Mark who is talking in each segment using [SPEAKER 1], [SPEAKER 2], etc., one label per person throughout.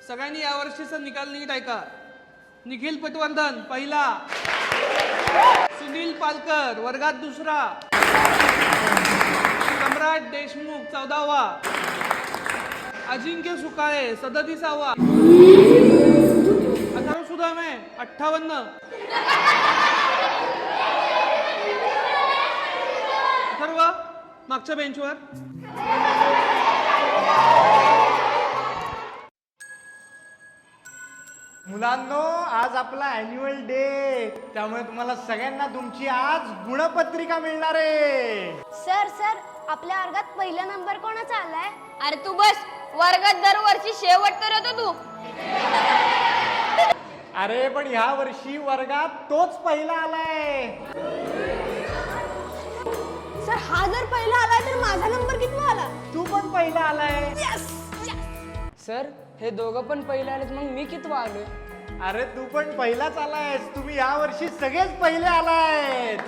[SPEAKER 1] सगळ्यांनी यावर्षीचा निकाल नीट ऐका. निखिल पटवर्धन पहिला, सुनील पालकर वर्गात दुसरा, सम्राट देशमुख 14वा, अजिंक्य सुकाळे 37वा, अथर्व सुदामे 58, अथर्व मागच्या बेंचवर.
[SPEAKER 2] मुलांनो, आज आपला अॅन्युअल डे, त्यामुळे तुम्हाला सगळ्यांना तुमची आज गुणपत्रिका मिळणार आहे.
[SPEAKER 3] सर सर आपल्या वर्गात पहिला नंबर कोणाचा आलाय?
[SPEAKER 4] अरे तू बस, वर्गात दरवर्षी शेवट तर येतो तू.
[SPEAKER 2] अरे पण ह्या वर्षी वर्गात तोच पहिला आलाय.
[SPEAKER 3] सर हा जर पहिला आलाय तर माझा नंबर किती आला?
[SPEAKER 2] तू पण पहिला आलाय.
[SPEAKER 5] सर हे दोघं पण पहिले आलेत, मग मी किती आलोय?
[SPEAKER 2] अरे तू पण पहिलाच आलायस. तुम्ही या वर्षी सगळेच पहिले आलायत.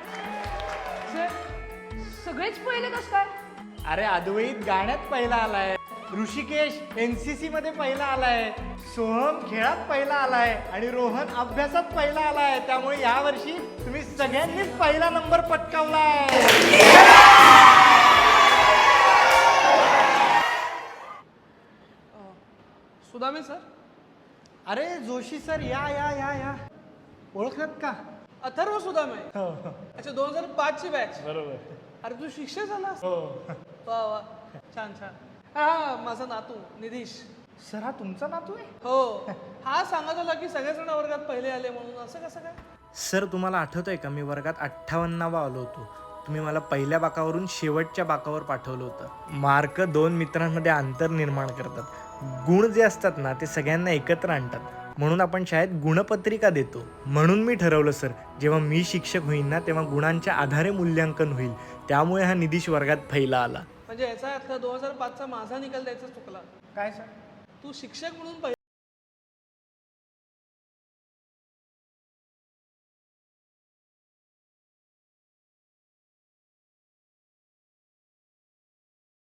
[SPEAKER 4] सगळेच पहिले कस काय?
[SPEAKER 2] अरे अद्वैत गाण्यात पहिला आलाय, ऋषिकेश एनसीसी मध्ये पहिला आलाय, सोहम खेळात पहिला आलाय आणि रोहन अभ्यासात पहिला आलाय. त्यामुळे या वर्षी तुम्ही सगळ्यांनीच पहिला नंबर पटकावलाय.
[SPEAKER 1] सुदामे सर.
[SPEAKER 2] अरे जोशी सर, या या या या. ओळखत का?
[SPEAKER 1] अथर्व सुदामे. अच्छा, 2005 ची बॅच.
[SPEAKER 2] बरोबर.
[SPEAKER 1] अरे तू शिक्षक झालास?
[SPEAKER 2] हो.
[SPEAKER 1] वा वा, छान छान. हा माझा नातू निधीश.
[SPEAKER 2] सर हा तुमचा नातू आहे?
[SPEAKER 1] हो, हा सांगत होता की सगळेजण वर्गात पहिले आले म्हणून. असं कसं काय?
[SPEAKER 6] सर तुम्हाला आठवतंय का, मी वर्गात 58वा आलो होतो. तुम्ही मला पहिल्या बाकावरून शेवटच्या बाकावर पाठवलं होतं. मार्क दोन मित्रांमध्ये अंतर निर्माण करतात. गुण जे असतात ना ते सगळ्यांना एकत्र आणतात. म्हणून आपण शाळेत गुणपत्रिका देतो. म्हणून मी ठरवलं सर, जेव्हा मी शिक्षक होईन ना तेव्हा गुणांच्या आधारे मूल्यांकन होईल. त्यामुळे हा निधीश वर्गात पहिला आला.
[SPEAKER 1] म्हणजे याचा अर्थ 2005चा माझा निकाल द्यायचा चुकला.
[SPEAKER 2] काय सर?
[SPEAKER 1] तू शिक्षक म्हणून